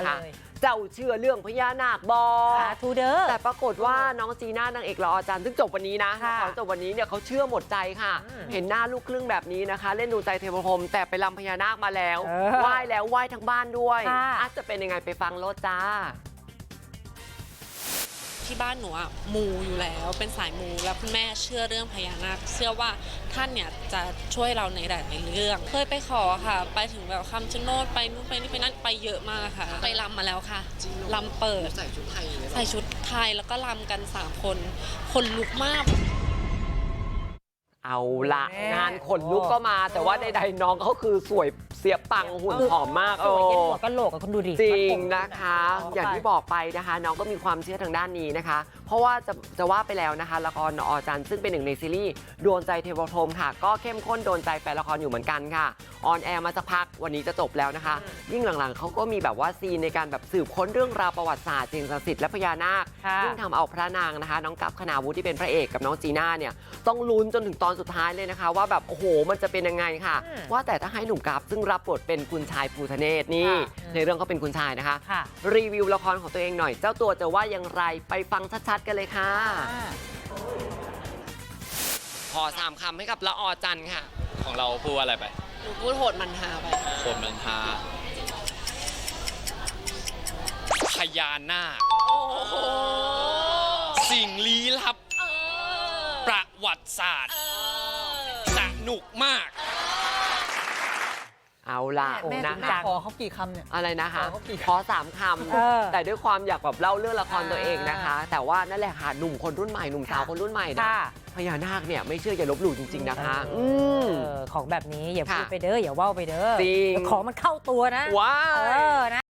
นะคะเจ้าเชื่อเรื่องพญานาคบอทูเดอร์แต่ปรากฏว่าน้องจีน่านางเอกละออจันทร์ซึ่งจบวันนี้นะละครจบวันนี้เนี่ยเขาเชื่อหมดใจค่ะเห็นหน้าลูกครึ่งแบบนี้นะคะเล่นดูใจเทวพรหมแต่ไปรำพญานาคมาแล้วไหว้แล้วไหว้ทั้งบ้านด้วยอาจจะเป็นยังไงไปฟังโลดจ้าที่บ้านหนูอะมูอยู่แล้วเป็นสายมูแล้วคุณแม่เชื่อเรื่องพญานาคเชื่อว่าท่านเนี่ยจะช่วยเราในหลายๆเรื่องเคยไปขอค่ะไปถึงแบบคำชะโนดไปนู่นไปนี่ไปนั่นไปเยอะมากค่ะไปรำมาแล้วค่ะรำเปิดใส่ชุดไทยแล้วก็รำกัน3 คนคนลุกมากเอาละงานขนลุกก็มาแต่ว่าใดๆน้องเขาคือสวยเสียปังหุ่นผอมมากสวยเย็นหัวกะโหลกกับคุณดูดิจริงนะคะอย่างที่บอกไปนะคะน้องก็มีความเชื่อทางด้านนี้นะคะเพราะว่าจะว่าไปแล้วนะคะละครอจันทร์ซึ่งเป็นหนึ่งในซีรีส์โดนใจเทวพรหมค่ะก็เข้มข้นโดนใจแฟนละครอยู่เหมือนกันค่ะออนแอร์มาสักพักวันนี้จะจบแล้วนะคะยิ่งหลังๆเขาก็มีแบบว่าซีนในการแบบสืบค้นเรื่องราวประวัติศาสตร์สิ่งศักดิ์สิทธิ์และพญานาคยิ่งทำเอาพระนางนะคะน้องกั๊บคณาวุฒิที่เป็นพระเอกกับน้องจีน่าเนี่ยต้องลุ้นจนถึงตอนสุดท้ายเลยนะคะว่าแบบโอ้โหมันจะเป็นยังไงค่ะว่าแต่ถ้าให้หนุ่มกั๊บซึ่งรับบทเป็นคุณชายภูทะเนศนี่ในเรื่องเขาเป็นคุณชายนะคะรีวิวละครของตัวเองหน่อยเจ้าตัวจะว่าอย่างไรไปฟังชัดๆกันเลยค่ะขอ3 คำให้กับละออจันทร์ค่ะของเราพูดว่าอะไรไปหนูพูดโหดมันฮาไปโหดมันฮาพญานาคสิ่งลี้ลับประวัติศาสตร์สนุกมากเอาล่ะนะคะขอเขากี่คำเนี่ยอะไรนะคะขอ3 คำแต่ด้วยความอยากแบบเล่าเรื่องละครตัวเองนะคะแต่ว่านั่นแหละค่ะหนุ่มคนรุ่นใหม่หนุ่มสาวคนรุ่นใหม่นะพญานาคเนี่ยไม่เชื่ออย่าลบหลู่จริงๆนะคะของแบบนี้อย่าพูดไปเด้ออย่าว่าไปเด้อจริงของมันเข้าตัวนะว้าวนะ